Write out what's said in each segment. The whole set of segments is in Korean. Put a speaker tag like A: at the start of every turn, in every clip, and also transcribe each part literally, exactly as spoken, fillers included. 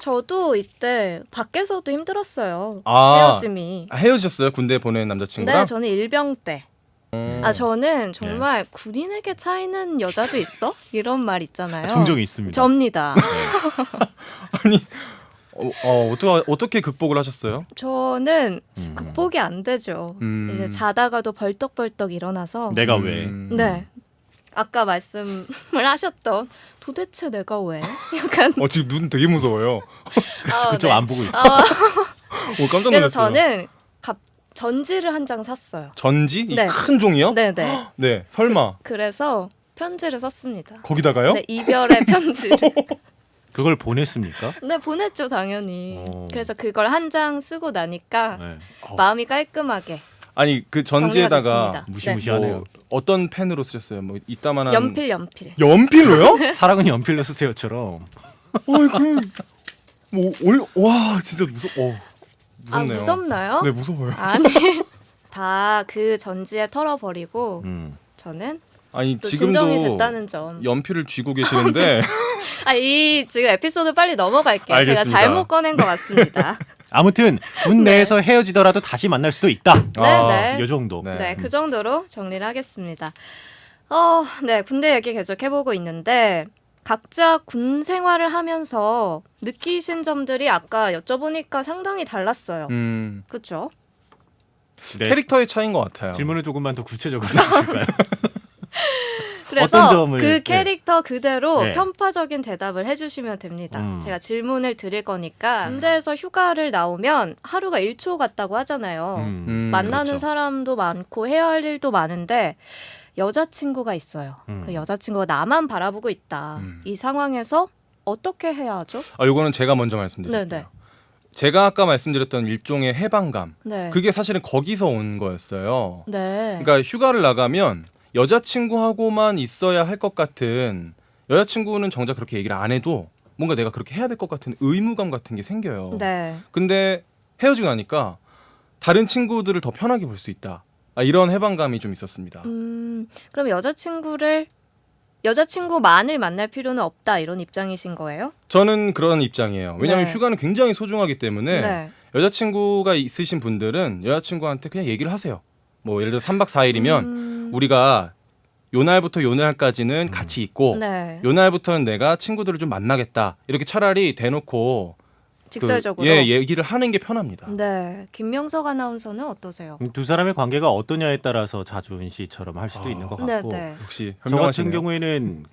A: 저도 이때 밖에서도 힘들었어요.
B: 아,
A: 헤어짐이.
B: 아, 헤어졌어요? 군대 보낸 남자친구랑?
A: 네, 저는 일병 때.
B: 음.
A: 아, 저는 정말 군인에게 차이는 여자도 있어? 이런 말 있잖아요.
C: 종종 있습니다.
A: 접니다.
B: 아니 어, 어 어떻게 어떻게 극복을 하셨어요?
A: 저는
C: 음.
A: 극복이 안 되죠.
B: 음.
A: 이제 자다가도 벌떡벌떡 일어나서
C: 내가
B: 음.
C: 왜?
A: 네. 아까 말씀을 하셨던 도대체 내가 왜? 약간
B: 어 지금 눈 되게 무서워요.
C: 그래서
A: 아,
C: 그쪽
A: 네.
C: 안 보고 있어.
A: 아,
B: 오 깜짝
A: 그래서
B: 놀랐어요.
A: 저는 갑, 전지를 한 장 샀어요.
B: 전지?
A: 네.
B: 이 큰 종이요?
A: 네네.
B: 네. 설마
A: 그래서 편지를 썼습니다.
B: 거기다가요?
A: 네, 이별의 편지를.
C: 그걸 보냈습니까?
A: 네, 보냈죠, 당연히.
C: 오.
A: 그래서 그걸 한 장 쓰고 나니까
C: 네. 어,
A: 마음이 깔끔하게
B: 아니 그
A: 정리가
B: 전지에다가
A: 됐습니다.
C: 무시무시하네요.
B: 뭐 어떤 펜으로 쓰셨어요? 뭐 이따만한
A: 연필, 연필.
B: 연필로요?
C: 사랑은 연필로 쓰세요처럼.
B: 어이 그럼 뭐와 진짜 무섭 어
A: 아,
B: 무섭네요.
A: 무섭나요?
B: 네 무서워요.
A: 아니, 다 그 전지에 털어버리고
C: 음.
A: 저는
B: 아니
A: 또 진정이
B: 지금도
A: 됐다는 점.
B: 연필을 쥐고 계시는데
A: 아, 이 지금 에피소드 빨리 넘어갈게요.
B: 알겠습니다.
A: 제가 잘못 꺼낸 것 같습니다.
C: 아무튼 군 내에서 헤어지더라도 다시 만날 수도 있다.
B: 아,
A: 네, 네.
C: 이 정도.
B: 네.
A: 네, 그 정도로 정리를 하겠습니다. 어, 네, 군대 얘기 계속 해보고 있는데 각자 군 생활을 하면서 느끼신 점들이 아까 여쭤보니까 상당히 달랐어요.
B: 음,
A: 그렇죠?
C: 네.
B: 캐릭터의 차이인 것 같아요.
C: 질문을 조금만 더 구체적으로 해주실까요?
A: 그래서
C: 어떤 점을,
A: 그
C: 네.
A: 캐릭터 그대로
C: 네.
A: 편파적인 대답을 해주시면 됩니다.
C: 음.
A: 제가 질문을 드릴 거니까 군대에서 휴가를 나오면 하루가 일 초 같다고 하잖아요.
C: 음,
B: 음,
A: 만나는
C: 그렇죠.
A: 사람도 많고 해야 할 일도 많은데 여자친구가 있어요.
C: 음.
A: 그 여자친구가 나만 바라보고 있다.
B: 음.
A: 이 상황에서 어떻게 해야 하죠?
B: 아 요거는 제가 먼저 말씀드릴게요.
A: 네네.
B: 제가 아까 말씀드렸던 일종의 해방감.
A: 네.
B: 그게 사실은 거기서 온 거였어요.
A: 네.
B: 그러니까 휴가를 나가면 여자친구하고만 있어야 할 것 같은, 여자친구는 정작 그렇게 얘기를 안 해도 뭔가 내가 그렇게 해야 될 것 같은 의무감 같은 게 생겨요.
A: 네.
B: 근데 헤어지고 나니까 다른 친구들을 더 편하게 볼 수 있다. 아, 이런 해방감이 좀 있었습니다.
A: 음, 그럼 여자친구를 여자친구만을 만날 필요는 없다 이런 입장이신 거예요?
B: 저는 그런 입장이에요. 왜냐하면
A: 네.
B: 휴가는 굉장히 소중하기 때문에
A: 네.
B: 여자친구가 있으신 분들은 여자친구한테 그냥 얘기를 하세요. 뭐 예를 들어 삼 박 사 일이면
A: 음,
B: 우리가 요 날부터 요 날까지는 같이 있고
A: 네.
B: 요 날부터는 내가 친구들을 좀 만나겠다. 이렇게 차라리 대놓고
A: 직설적으로.
B: 그, 예, 얘기를 하는 게 편합니다.
A: 네. 김명석 아나운서는 어떠세요?
C: 두 사람의 관계가 어떠냐에 따라서 자주훈씨처럼 할 수도
B: 아.
C: 있는 것
A: 네,
C: 같고
A: 네.
B: 역시
C: 저 같은
B: 현명하시네요.
C: 경우에는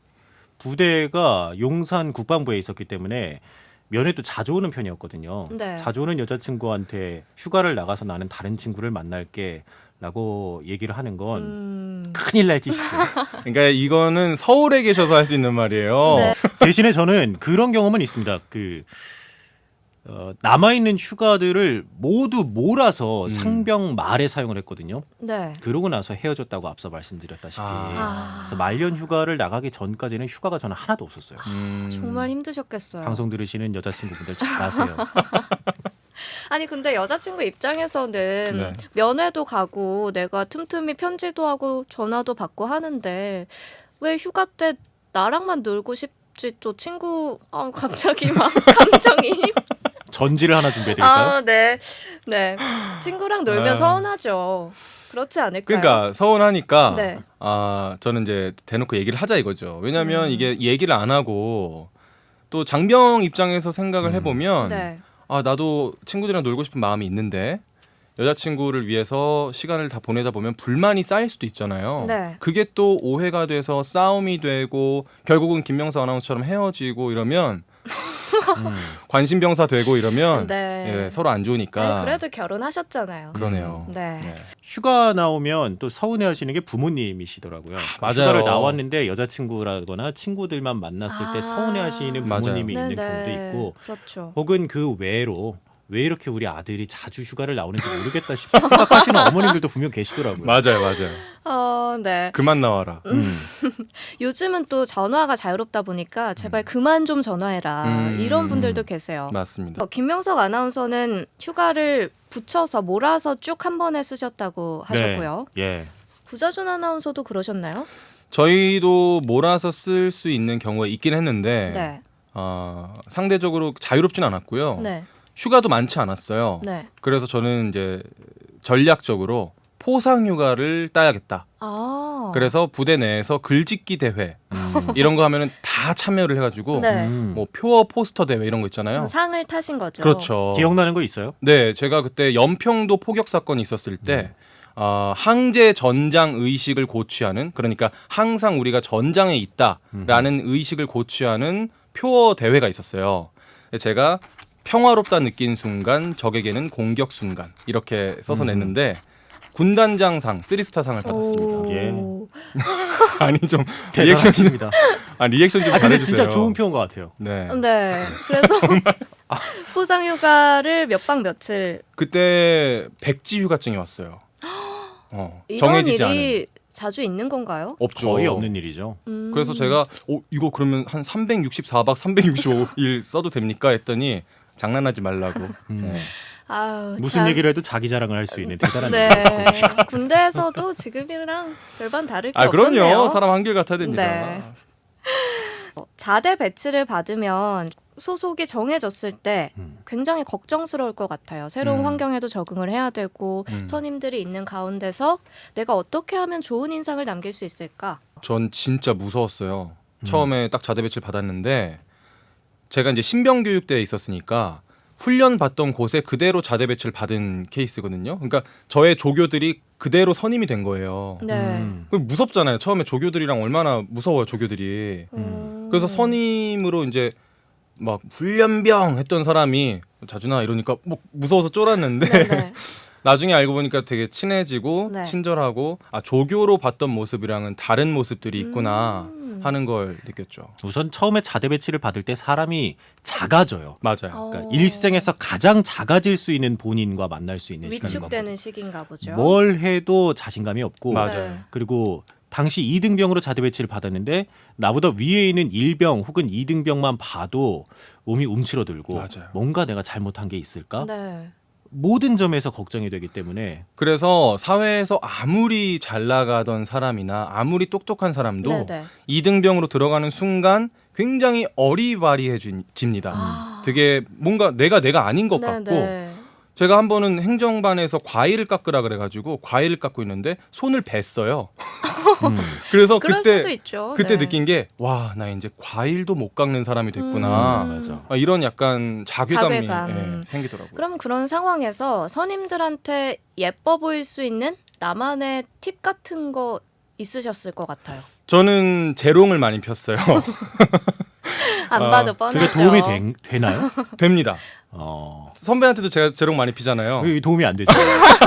C: 부대가 용산 국방부에 있었기 때문에 면회도 자주 오는 편이었거든요.
A: 네.
C: 자주 오는 여자친구한테 휴가를 나가서 나는 다른 친구를 만날게 라고 얘기를 하는 건
A: 음,
C: 큰일 날 짓이죠.
B: 그러니까 이거는 서울에 계셔서 할 수 있는 말이에요.
A: 네.
C: 대신에 저는 그런 경험은 있습니다. 그 어, 남아있는 휴가들을 모두 몰아서
B: 음.
C: 상병 말에 사용을 했거든요.
A: 네.
C: 그러고 나서 헤어졌다고 앞서 말씀드렸다시피
B: 아.
C: 그래서 말년 휴가를 나가기 전까지는 휴가가 저는 하나도 없었어요.
B: 음.
A: 정말 힘드셨겠어요.
C: 방송 들으시는 여자친구분들 잘 아세요.
A: 아니 근데 여자친구 입장에서는
B: 네.
A: 면회도 가고 내가 틈틈이 편지도 하고 전화도 받고 하는데 왜 휴가 때 나랑만 놀고 싶지 또 친구 아 갑자기 막 감정이
C: 전지를 하나 준비해드릴까요?
A: 아 네. 네. 친구랑 놀면
B: 아.
A: 서운하죠. 그렇지 않을까요?
B: 그러니까 서운하니까
A: 네.
B: 아 저는 이제 대놓고 얘기를 하자 이거죠. 왜냐하면
A: 음.
B: 이게 얘기를 안 하고 또 장병 입장에서 생각을
C: 음.
B: 해보면
A: 네.
B: 아 나도 친구들이랑 놀고 싶은 마음이 있는데 여자친구를 위해서 시간을 다 보내다 보면 불만이 쌓일 수도 있잖아요.
A: 네.
B: 그게 또 오해가 돼서 싸움이 되고 결국은 김명수 아나운서처럼 헤어지고 이러면
C: 음.
B: 관심병사 되고 이러면
A: 네.
B: 예, 서로 안 좋으니까
A: 아니, 그래도 결혼하셨잖아요.
B: 그러네요.
A: 네.
B: 네.
C: 휴가 나오면 또 서운해하시는 게 부모님이시더라고요. 그러니까
B: 맞아요.
C: 휴가를 나왔는데 여자친구라거나 친구들만 만났을 때
A: 아.
C: 서운해하시는
B: 맞아요.
C: 부모님이
A: 네,
C: 있는
A: 네.
C: 경우도 있고
A: 그렇죠.
C: 혹은 그 외로 왜 이렇게 우리 아들이 자주 휴가를 나오는지 모르겠다 싶어 생각하시는 어머님들도 분명 계시더라고요.
B: 맞아요, 맞아요.
A: 어, 네.
B: 그만 나와라.
C: 음.
A: 요즘은 또 전화가 자유롭다 보니까 제발 그만 좀 전화해라.
B: 음.
A: 이런 분들도 계세요.
B: 맞습니다.
A: 어, 김명석 아나운서는 휴가를 붙여서 몰아서 쭉 한 번에 쓰셨다고 하셨고요.
C: 네. 예.
A: 구자준 아나운서도 그러셨나요?
B: 저희도 몰아서 쓸 수 있는 경우가 있긴 했는데
A: 네.
B: 어, 상대적으로 자유롭진 않았고요.
A: 네.
B: 휴가도 많지 않았어요.
A: 네.
B: 그래서 저는 이제 전략적으로 포상 휴가를 따야겠다.
A: 아.
B: 그래서 부대 내에서 글짓기 대회
C: 음.
B: 이런 거 하면은 다 참여를 해가지고
A: 네.
C: 음.
B: 뭐 표어 포스터 대회 이런 거 있잖아요.
A: 좀 상을 타신 거죠.
B: 그렇죠.
C: 기억나는 거 있어요?
B: 네, 제가 그때 연평도 포격 사건이 있었을 때 어, 항제 전장 의식을 고취하는, 그러니까 항상 우리가 전장에 있다라는 의식을 고취하는 표어 대회가 있었어요. 제가 평화롭다 느낀 순간 적에게는 공격 순간 이렇게 써서
C: 음.
B: 냈는데 군단장상 쓰리스타 상을 받았습니다.
A: 오.
C: 예.
B: 아니 좀 리액션 좀,
C: 대단하십니다.
B: 아 리액션 좀
C: 아 근데
B: 잘해주세요.
C: 진짜 좋은 표현 것 같아요.
B: 네.
A: 네. 그래서 포상 휴가를 몇 박 며칠
B: 그때 백지 휴가증이 왔어요. 어,
A: 이런
B: 정해지지 않은.
A: 일이 자주 있는 건가요?
B: 없죠.
C: 거의 없는 일이죠.
A: 음.
B: 그래서 제가 어, 이거 그러면 한 삼백육십사 박 삼백육십오 일 써도 됩니까 했더니 장난하지 말라고.
C: 음.
B: 네.
A: 아우,
C: 무슨
A: 참.
C: 얘기를 해도 자기 자랑을 할 수 있는 대단한
A: 네.
C: 일이죠.
A: 군대에서도 지금이랑 별반 다를 게
B: 아
A: 없었네요.
B: 그럼요. 사람 한결 같아야 됩니다.
A: 네. 어, 자대 배치를 받으면 소속이 정해졌을 때
C: 음.
A: 굉장히 걱정스러울 것 같아요. 새로운
B: 음.
A: 환경에도 적응을 해야 되고
B: 음.
A: 선임들이 있는 가운데서 내가 어떻게 하면 좋은 인상을 남길 수 있을까?
B: 전 진짜 무서웠어요.
C: 음.
B: 처음에 딱 자대 배치를 받았는데 제가 이제 신병 교육대에 있었으니까 훈련 받던 곳에 그대로 자대 배치를 받은 케이스거든요. 그러니까 저의 조교들이 그대로 선임이 된 거예요.
A: 네.
C: 음.
B: 그 무섭잖아요. 처음에 조교들이랑 얼마나 무서워요, 조교들이.
A: 음.
B: 그래서 선임으로 이제 막 훈련병 했던 사람이 자준아 이러니까 뭐 무서워서 쫄았는데
A: 네네.
B: 나중에 알고 보니까 되게 친해지고
A: 네.
B: 친절하고 아 조교로 봤던 모습이랑은 다른 모습들이 있구나
A: 음.
B: 하는 걸 느꼈죠.
C: 우선 처음에 자대 배치를 받을 때 사람이 작아져요.
B: 맞아요.
A: 어.
C: 그러니까 일생에서 가장 작아질 수 있는 본인과 만날 수 있는 시간인
A: 위축되는
C: 겁니다.
A: 시기인가 보죠.
C: 뭘 해도 자신감이 없고
B: 맞아요.
A: 네.
C: 그리고 당시 이 등병으로 자대 배치를 받았는데 나보다 위에 있는 일 병 혹은 이 등병만 봐도 몸이 움츠러들고
B: 맞아요.
C: 뭔가 내가 잘못한 게 있을까?
A: 네.
C: 모든 점에서 걱정이 되기 때문에
B: 그래서 사회에서 아무리 잘 나가던 사람이나 아무리 똑똑한 사람도
A: 네네.
B: 이등병으로 들어가는 순간 굉장히 어리바리해집니다.
A: 아.
B: 되게 뭔가 내가 내가 아닌 것 같고
A: 네네.
B: 제가 한 번은 행정반에서 과일을 깎으라 그래가지고 과일을 깎고 있는데 손을 뱄어요.
C: 음.
B: 그래서
A: 그럴 수도
B: 그때
A: 있죠.
B: 그때
A: 네.
B: 느낀 게 와 나 이제 과일도 못 깎는 사람이 됐구나.
A: 음.
C: 맞아.
B: 아, 이런 약간 자괴감이
A: 자괴감.
B: 예, 생기더라고요.
A: 그럼 그런 상황에서 선임들한테 예뻐 보일 수 있는 나만의 팁 같은 거 있으셨을 것 같아요.
B: 저는 재롱을 많이 폈어요.
A: 안
B: 아,
A: 봐도 뻔하죠.
C: 그게 도움이 된- 되나요?
B: 됩니다.
C: 어.
B: 선배한테도 제가 재롱 많이 피잖아요.
C: 왜 도움이 안 되죠?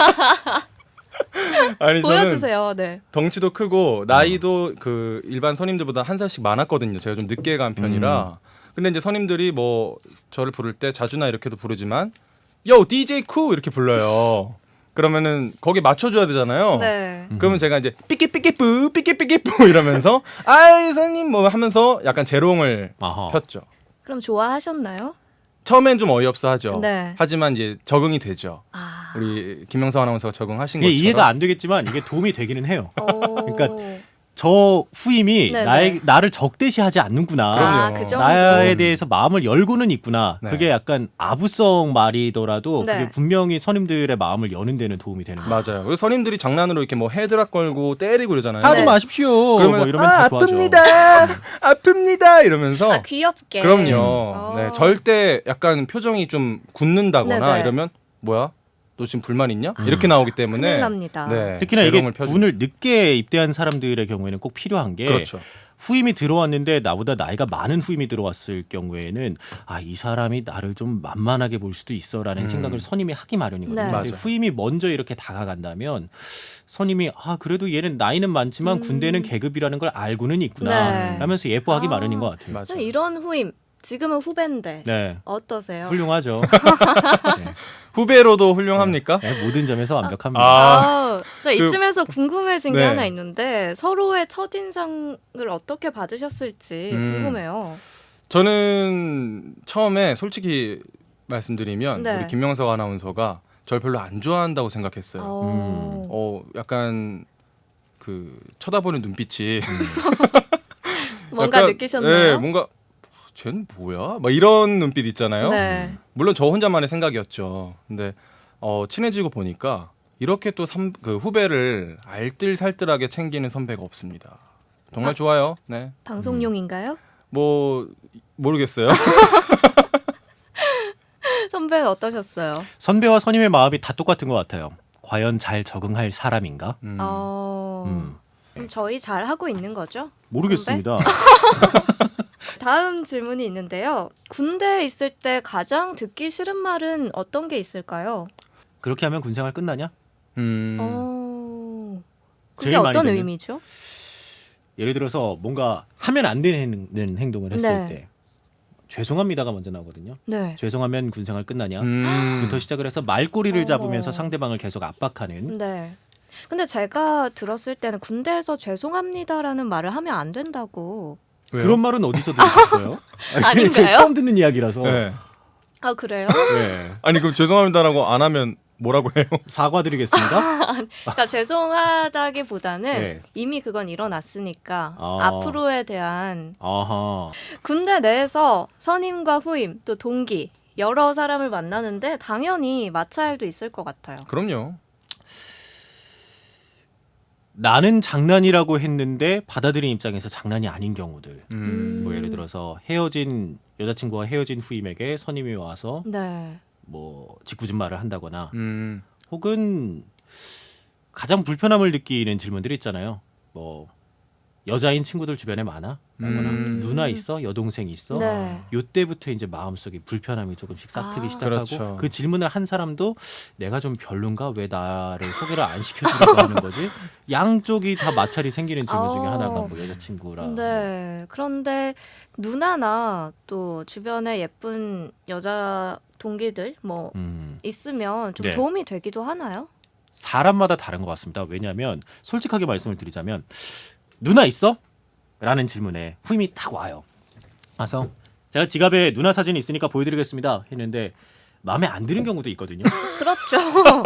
B: 아니 저는
A: 보여주세요. 네.
B: 덩치도 크고 나이도 그 일반 선임들보다 한 살씩 많았거든요. 제가 좀 늦게 간 편이라. 근데 이제 선임들이 뭐 저를 부를 때 자주나 이렇게도 부르지만 요 디제이 쿠 이렇게 불러요. 그러면은 거기에 맞춰줘야 되잖아요.
A: 네.
B: 그러면 제가 이제 삐끼삐끼뿌 삐끼삐끼뿌 이러면서 아이 선생님 뭐 하면서 약간 재롱을
C: 아하.
B: 폈죠.
A: 그럼 좋아하셨나요?
B: 처음엔 좀 어이없어 하죠.
A: 네.
B: 하지만 이제 적응이 되죠.
A: 아.
B: 우리 김명석 아나운서가 적응하신
C: 이게
B: 것처럼.
C: 이해가 안 되겠지만 이게 도움이 되기는 해요.
A: 오.
C: 그러니까 저 후임이
A: 네네.
C: 나의 나를 적대시하지 않는구나.
A: 아,
B: 그럼요.
A: 그 정도.
C: 나에 대해서 마음을 열고는 있구나.
B: 네.
C: 그게 약간 아부성 말이더라도
A: 네.
C: 그게 분명히 선임들의 마음을 여는 데는 도움이 되는 거예요.
B: 맞아요. 그래서 선임들이 장난으로 이렇게 뭐 헤드락 걸고 때리고 그러잖아요.
C: 하지
A: 네.
C: 마십시오.
B: 그러면
C: 뭐 이러면
B: 아,
C: 다 좋아져.
B: 아픕니다. 아픕니다. 이러면서
A: 아, 귀엽게.
B: 그럼요.
A: 어.
B: 네, 절대 약간 표정이 좀 굳는다거나
A: 네네.
B: 이러면 뭐야? 너 지금 불만 있냐? 이렇게 나오기 때문에
A: 큰일 납니다.
B: 네,
C: 특히나 이게
B: 재롱을 펴주-
C: 군을 늦게 입대한 사람들의 경우에는 꼭 필요한 게
B: 그렇죠.
C: 후임이 들어왔는데 나보다 나이가 많은 후임이 들어왔을 경우에는 아, 이 사람이 나를 좀 만만하게 볼 수도 있어라는
B: 음.
C: 생각을 선임이 하기 마련이거든요.
A: 네.
C: 근데
B: 맞아요.
C: 후임이 먼저 이렇게 다가간다면 선임이 아, 그래도 얘는 나이는 많지만
A: 음.
C: 군대는 계급이라는 걸 알고는 있구나
A: 네.
C: 하면서 예뻐하기
A: 아.
C: 마련인 것 같아요.
B: 맞아요.
A: 이런 후임 지금은 후배인데
C: 네.
A: 어떠세요?
C: 훌륭하죠. 네.
B: 후배로도 훌륭합니까?
C: 네, 모든 점에서 완벽합니다.
B: 아.
A: 아, 저 이쯤에서 궁금해진 게
B: 네.
A: 하나 있는데 서로의 첫인상을 어떻게 받으셨을지
B: 음.
A: 궁금해요.
B: 저는 처음에 솔직히 말씀드리면
A: 네.
B: 우리 김명석 아나운서가 절 별로 안 좋아한다고 생각했어요.
A: 어.
B: 어, 약간 그 쳐다보는 눈빛이
A: 뭔가
B: 약간,
A: 느끼셨나요?
B: 네, 뭔가 쟤는 뭐야? 막 이런 눈빛 있잖아요.
A: 네.
B: 물론 저 혼자만의 생각이었죠. 근데 어, 친해지고 보니까 이렇게 또 삼, 그 후배를 알뜰살뜰하게 챙기는 선배가 없습니다. 정말
A: 아.
B: 좋아요. 네.
A: 방송용인가요?
B: 뭐 모르겠어요.
A: 선배는 어떠셨어요?
C: 선배와 선임의 마음이 다 똑같은 것 같아요. 과연 잘 적응할 사람인가?
B: 음.
A: 어...
C: 음,
A: 그럼 저희 잘 하고 있는 거죠?
C: 모르겠습니다.
A: 다음 질문이 있는데요. 군대에 있을 때 가장 듣기 싫은 말은 어떤 게 있을까요?
C: 그렇게 하면 군생활 끝나냐?
B: 음.
A: 어... 그게
C: 제일 많이
A: 어떤
C: 듣는?
A: 의미죠?
C: 예를 들어서 뭔가 하면 안 되는 행동을 했을
A: 네.
C: 때 죄송합니다가 먼저 나오거든요.
A: 네.
C: 죄송하면 군생활 끝나냐?
B: 음.
C: 부터 시작을 해서 말꼬리를
A: 어.
C: 잡으면서 상대방을 계속 압박하는
A: 네. 근데 제가 들었을 때는 군대에서 죄송합니다라는 말을 하면 안 된다고.
B: 왜요?
C: 그런 말은 어디서 들으셨어요?
A: 아닌가요?
C: 제가 처음 듣는 이야기라서.
B: 네.
A: 아 그래요?
C: 네.
B: 아니 그럼 죄송합니다라고 안 하면 뭐라고 해요?
C: 사과드리겠습니다.
A: 그러니까 죄송하다기보다는
C: 네.
A: 이미 그건 일어났으니까
C: 아.
A: 앞으로에 대한
C: 아하.
A: 군대 내에서 선임과 후임 또 동기 여러 사람을 만나는데 당연히 마찰도 있을 것 같아요.
B: 그럼요.
C: 나는 장난이라고 했는데 받아들인 입장에서 장난이 아닌 경우들.
B: 음.
C: 뭐 예를 들어서 헤어진 여자친구와 헤어진 후임에게 선임이 와서
A: 네.
C: 뭐 짓궂은 말을 한다거나
B: 음.
C: 혹은 가장 불편함을 느끼는 질문들이 있잖아요. 뭐 여자인 친구들 주변에 많아? 라거나
B: 음.
C: 누나 있어? 여동생 있어?
A: 네.
C: 요때부터 이제 마음속에 불편함이 조금씩 싹트기
A: 아.
C: 시작하고
B: 그렇죠.
C: 그 질문을 한 사람도 내가 좀 별론가? 왜 나를 소개를 안 시켜주려고 하는 거지? 양쪽이 다 마찰이 생기는 질문 중에
A: 어.
C: 하나가 뭐 여자친구라
A: 네. 그런데 누나나 또 주변에 예쁜 여자 동기들 뭐
C: 음,
A: 있으면 좀
C: 네.
A: 도움이 되기도 하나요?
C: 사람마다 다른 것 같습니다. 왜냐하면 솔직하게 말씀을 드리자면 누나 있어? 라는 질문에 후임이 딱 와요. 와서 제가 지갑에 누나 사진이 있으니까 보여드리겠습니다 했는데 마음에 안 드는 경우도 있거든요.
A: 그렇죠.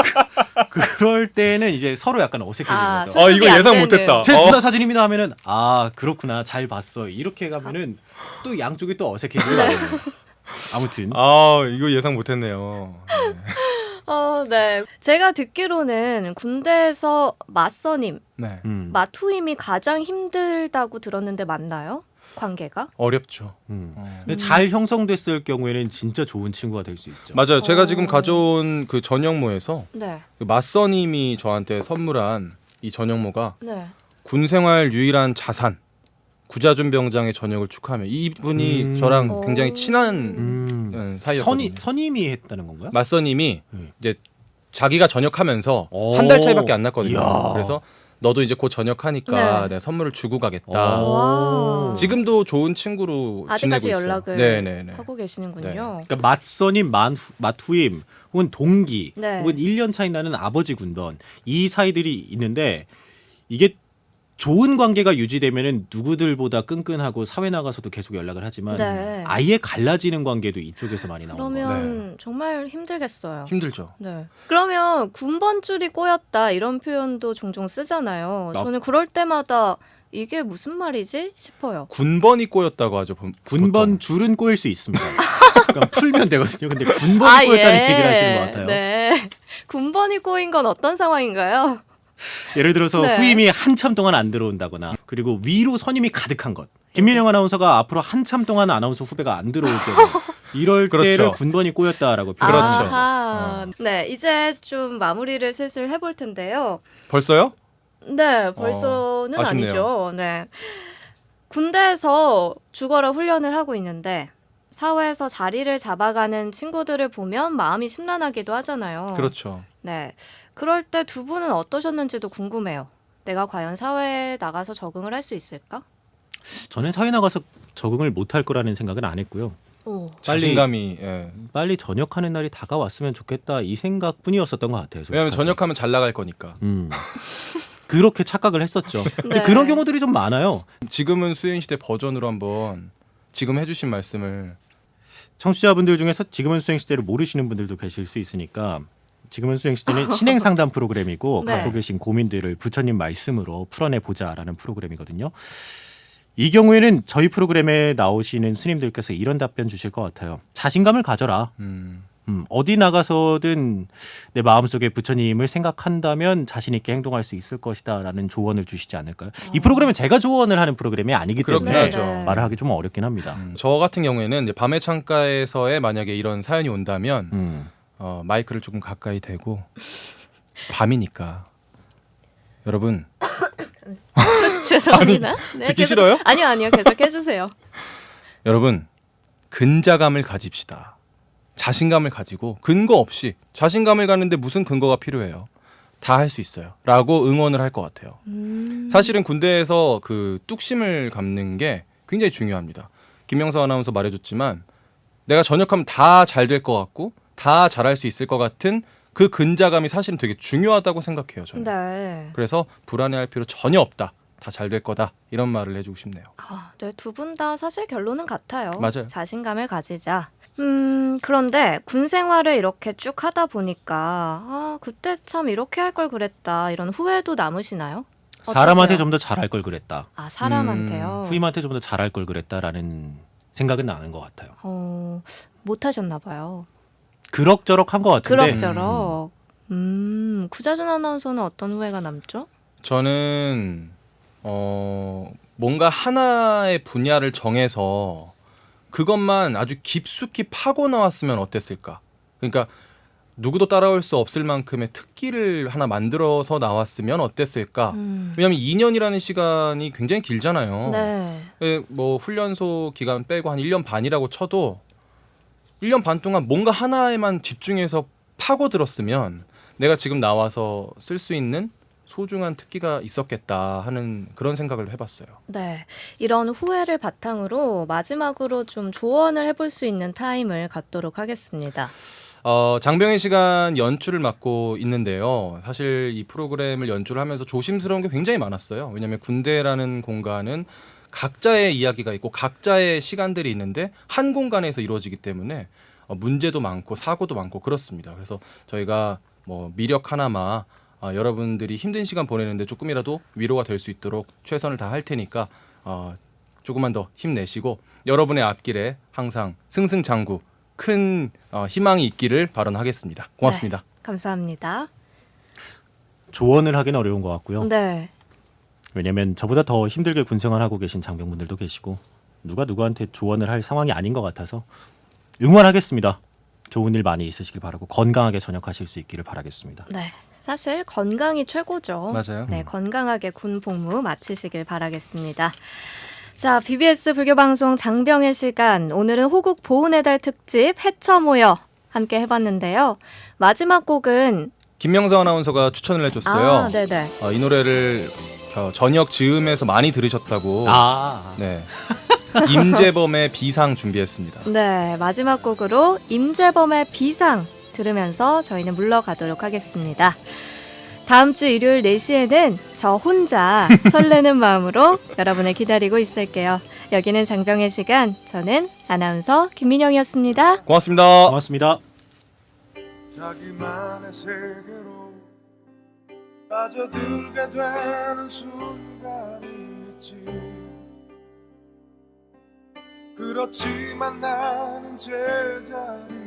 C: 그럴 때는 이제 서로 약간 어색해지는
A: 아,
C: 거죠.
B: 아
A: 수습이
B: 이거
A: 안
B: 예상
A: 되는.
B: 못했다.
C: 제
B: 어.
C: 누나 사진입니다 하면은 아 그렇구나 잘 봤어 이렇게 가면은 또 양쪽이 또 어색해지는 거예요. 아무튼
B: 아 이거 예상 못했네요. 네.
A: 어, 네. 제가 듣기로는 군대에서 맞선임,
B: 네.
C: 음,
A: 마투임이 가장 힘들다고 들었는데 맞나요? 관계가?
B: 어렵죠.
C: 음.
B: 어.
C: 근데 잘 형성됐을 경우에는 진짜 좋은 친구가 될 수 있죠.
B: 맞아요. 제가
A: 어.
B: 지금 가져온 그 전역모에서
A: 네.
B: 그 맞선님이 저한테 선물한 이 전역모가
A: 네.
B: 군 생활 유일한 자산 구자준 병장의 전역을 축하하며 이분이
C: 음.
B: 저랑 굉장히
A: 오.
B: 친한
C: 음.
B: 음,
C: 선이
B: 사이였거든요.
C: 선임이 했다는 건가요?
B: 맞선님이
C: 네.
B: 이제 자기가 전역하면서
C: 오.
B: 한 달 차이밖에 안 났거든요.
C: 이야.
B: 그래서 너도 이제 곧 전역하니까
A: 네.
B: 내가 선물을 주고 가겠다.
C: 오.
A: 와.
B: 지금도 좋은 친구로
A: 아직까지
B: 지내고 있어요.
A: 연락을
B: 네네네.
A: 하고 계시는군요.
B: 네.
C: 그러니까 맞선임, 만, 맞후임, 혹은 동기,
A: 네.
C: 혹은 일 년 차이 나는 아버지 군번 이 사이들이 있는데 이게 좋은 관계가 유지되면은 누구들보다 끈끈하고 사회 나가서도 계속 연락을 하지만
A: 네.
C: 아예 갈라지는 관계도 이쪽에서 많이 나오는 거예요.
A: 그러면 정말 힘들겠어요.
B: 힘들죠.
A: 네. 그러면 군번줄이 꼬였다 이런 표현도 종종 쓰잖아요.
C: 나-
A: 저는 그럴 때마다 이게 무슨 말이지 싶어요.
B: 군번이 꼬였다고 하죠. 보-
C: 군번
B: 보통.
C: 줄은 꼬일 수 있습니다. 그러니까 풀면 되거든요. 근데 군번이 꼬였다는 얘기를 하시는 것 같아요.
A: 아, 네. 군번이 꼬인 건 어떤 상황인가요?
C: 예를 들어서
A: 네.
C: 후임이 한참 동안 안 들어온다거나 그리고 위로 선임이 가득한 것. 김민영 아나운서가 앞으로 한참 동안 아나운서 후배가 안 들어올 경우 이럴
B: 그렇죠.
C: 때를 군번이 꼬였다라고
B: 그렇죠.
C: 표현하죠.
A: 아하. 네, 이제 좀 마무리를 슬슬 해볼 텐데요.
B: 벌써요?
A: 네, 벌써는
B: 어, 아쉽네요.
A: 아니죠. 네. 군대에서 죽어라 훈련을 하고 있는데 사회에서 자리를 잡아가는 친구들을 보면 마음이 심란하기도 하잖아요.
B: 그렇죠.
A: 네. 그럴 때 두 분은 어떠셨는지도 궁금해요. 내가 과연 사회에 나가서 적응을 할 수 있을까?
C: 저는 사회 나가서 적응을 못할 거라는 생각은 안 했고요.
A: 오.
C: 빨리-
B: 자신감이. 예.
C: 빨리 전역하는 날이 다가왔으면 좋겠다 이 생각뿐이었었던 것 같아요.
B: 왜냐하면
C: 솔직하게.
B: 전역하면 잘 나갈 거니까.
C: 음. 그렇게 착각을 했었죠. 근데
A: 네.
C: 그런 경우들이 좀 많아요.
B: 지금은 수행시대 버전으로 한번 지금 해주신 말씀을
C: 청취자분들 중에서 지금은 수행시대를 모르시는 분들도 계실 수 있으니까 지금은 수행시대는 신행 상담 프로그램이고
A: 네.
C: 갖고 계신 고민들을 부처님 말씀으로 풀어내 보자라는 프로그램이거든요. 이 경우에는 저희 프로그램에 나오시는 스님들께서 이런 답변 주실 것 같아요. 자신감을 가져라.
B: 음.
C: 음, 어디 나가서든 내 마음속에 부처님을 생각한다면 자신 있게 행동할 수 있을 것이다라는 조언을 주시지 않을까요? 이 프로그램은 제가 조언을 하는 프로그램이 아니기
B: 그렇긴
C: 때문에
B: 하죠.
A: 네.
C: 말을 하기 좀 어렵긴 합니다.
B: 음, 저 같은 경우에는 이제 밤의 창가에서의 만약에 이런 사연이 온다면
C: 음.
B: 어, 마이크를 조금 가까이 대고 밤이니까 여러분
A: 죄송합니다. 네,
B: 듣기
A: 계속-
B: 싫어요?
A: 아니요, 아니요. 계속 해주세요.
B: 여러분 근자감을 가집시다. 자신감을 가지고 근거 없이 자신감을 갖는데 무슨 근거가 필요해요? 다 할 수 있어요. 라고 응원을 할 것 같아요.
A: 음.
B: 사실은 군대에서 그 뚝심을 갖는 게 굉장히 중요합니다. 김명서 아나운서 말해줬지만 내가 전역하면 다 잘 될 것 같고 다 잘할 수 있을 것 같은 그 근자감이 사실은 되게 중요하다고 생각해요. 저는.
A: 네.
B: 그래서 불안해할 필요 전혀 없다. 다 잘 될 거다. 이런 말을 해주고 싶네요.
A: 아, 네, 두 분 다 사실 결론은 같아요.
B: 맞아요.
A: 자신감을 가지자. 음, 그런데 군 생활을 이렇게 쭉 하다 보니까 아, 그때 참 이렇게 할 걸 그랬다. 이런 후회도 남으시나요?
C: 사람한테
A: 어떠세요?
C: 좀 더 잘할 걸 그랬다.
A: 아, 사람한테요.
C: 후임한테 좀 더 잘할 걸 그랬다라는 생각은 나는 것 같아요.
A: 어, 못 하셨나 봐요.
C: 그럭저럭 한 것 같은데
A: 그럭저럭. 음, 구자준 아나운서는 어떤 후회가 남죠?
B: 저는 어, 뭔가 하나의 분야를 정해서 그것만 아주 깊숙이 파고 나왔으면 어땠을까? 그러니까 누구도 따라올 수 없을 만큼의 특기를 하나 만들어서 나왔으면 어땠을까?
A: 음.
B: 왜냐하면 이 년이라는 시간이 굉장히 길잖아요.
A: 네.
B: 예, 뭐 훈련소 기간 빼고 한 일 년 반이라고 쳐도 일 년 반 동안 뭔가 하나에만 집중해서 파고들었으면 내가 지금 나와서 쓸 수 있는 소중한 특기가 있었겠다 하는 그런 생각을 해봤어요.
A: 네. 이런 후회를 바탕으로 마지막으로 좀 조언을 해볼 수 있는 타임을 갖도록 하겠습니다.
B: 어, 장병의 시간 연출을 맡고 있는데요. 사실 이 프로그램을 연출을 하면서 조심스러운 게 굉장히 많았어요. 왜냐하면 군대라는 공간은 각자의 이야기가 있고 각자의 시간들이 있는데 한 공간에서 이루어지기 때문에 어, 문제도 많고 사고도 많고 그렇습니다. 그래서 저희가 뭐 미력 하나마 어, 여러분들이 힘든 시간 보내는데 조금이라도 위로가 될 수 있도록 최선을 다할 테니까 어, 조금만 더 힘내시고 여러분의 앞길에 항상 승승장구 큰 어, 희망이 있기를 발언하겠습니다. 고맙습니다.
A: 네, 감사합니다.
C: 조언을 하기는 어려운 것 같고요.
A: 네.
C: 왜냐하면 저보다 더 힘들게 군생활하고 계신 장병분들도 계시고 누가 누구한테 조언을 할 상황이 아닌 것 같아서 응원하겠습니다. 좋은 일 많이 있으시길 바라고 건강하게 전역하실 수 있기를 바라겠습니다.
A: 네. 사실 건강이 최고죠.
B: 맞아요.
A: 네, 건강하게 군 복무 마치시길 바라겠습니다. 자, 비비에스 불교방송 장병의 시간. 오늘은 호국 보훈의 달 특집 해쳐 모여 함께 해봤는데요. 마지막 곡은
B: 김명서 아나운서가 추천을 해줬어요.
A: 아, 네네.
B: 어, 이 노래를 어, 저녁 즈음에서 많이 들으셨다고.
C: 아,
B: 네. 임재범의 비상 준비했습니다.
A: 네, 마지막 곡으로 임재범의 비상 들으면서 저희는 물러가도록 하겠습니다. 다음 주 일요일 네 시에는 저 혼자 설레는 마음으로 여러분을 기다리고 있을게요. 여기는 장병의 시간, 저는 아나운서 김민영이었습니다.
B: 고맙습니다.
C: 고맙습니다.
D: 자기만의 세계로 빠져들게 되는 순간이 있지. 그렇지만 나는 제자리